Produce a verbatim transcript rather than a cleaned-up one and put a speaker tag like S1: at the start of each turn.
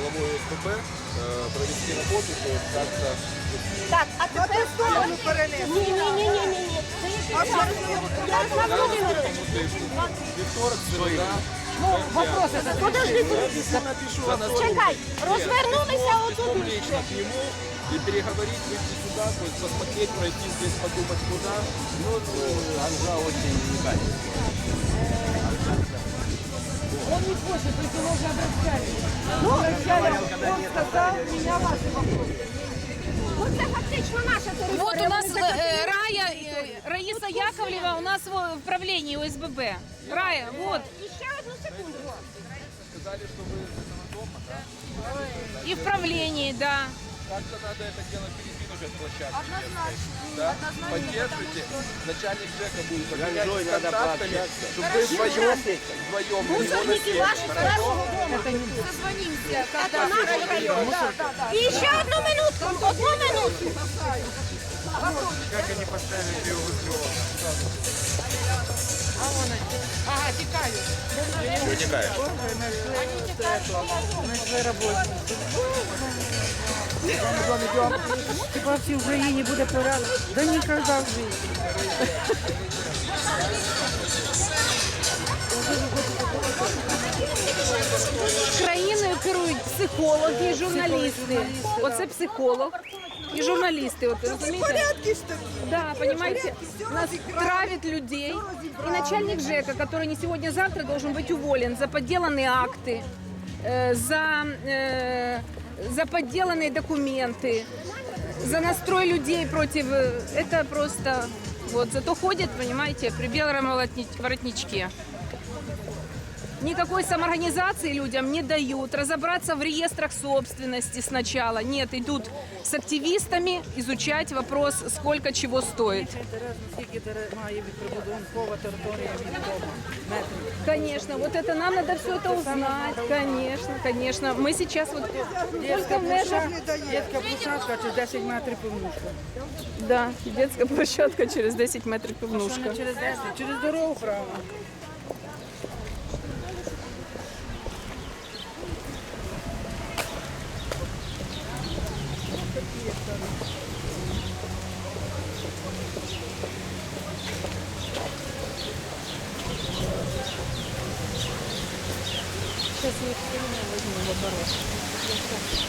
S1: головой ОСББ э, провести работу, то есть как-то...
S2: Так, а тепер сторону перенести. Ні, ні, ні, ні, ні, ні. А що
S1: Я наступному тижні, вівторок, середа,
S2: Вопроси задаю. Подожди,
S1: подожди.
S2: чекай, розвернулися отут.
S1: Лично к нему и переговорить, выйти сюда, то есть посмотреть, пройти здесь, подумать куда.
S3: Ну, Анжа очень уникальна.
S4: Он не хочет, то есть его уже обращали. Ну, обращали, он сказал, меня ваши вопросы.
S2: Оце фактично наша територія.
S5: Вот у нас
S2: Вони
S5: э,
S2: захотіли-
S5: Рая, э, Раиса Яковлева у нас в управлении ОСББ. Рая, вот.
S2: І ще одну секунду.
S1: Сказали, что вы из этого дома, да?
S5: И в правлении, да.
S1: Как-то надо это дело передвинуть от площадки. Однозначно. Да? Поддержите. Начальник ЖЭКа будет
S3: Ганжой
S1: обменяться
S3: надо
S1: контактами,
S3: пообщаться.
S1: чтобы вы вдвоем, вдвоем на него
S2: Мусорники
S1: насели.
S2: ваші з нашого дому. Це наш район. І ще одну минутку, одну минутку.
S1: Как они поставили его
S4: Ага, тікають.
S1: Вытекает.
S4: Знайшли роботу. Хіба в цій Україні буде порядок? Да ніколи в житті.
S5: Країною керують психологи і журналісти. Оце психолог і журналісти. От, розумієте? Да, понимаете, нас травят людей. И начальник ЖЭКа, который не сегодня-завтра должен быть уволен за подделанные акты, э, за, э, за подделанные документы, за настрой людей против... э, Это просто... Вот, зато ходит, понимаете, при белом воротни- воротничке. Никакой самоорганизации людям не дают, разобраться в реестрах собственности сначала. Нет, идут с активистами изучать вопрос, сколько чего стоит.
S4: Скільки має від прибудинкова територія від дому? Метрів.
S5: Конечно, вот это нам надо все это узнать. Конечно, конечно. Мы сейчас вот
S4: Дітська площадка, дітська площадка чи десять метрів пивнушка.
S5: да, детская площадка через десять метрів
S4: Що
S5: пивнушка.
S4: не через десять, через дорогу право.
S5: Сейчас я их возьму в оборот.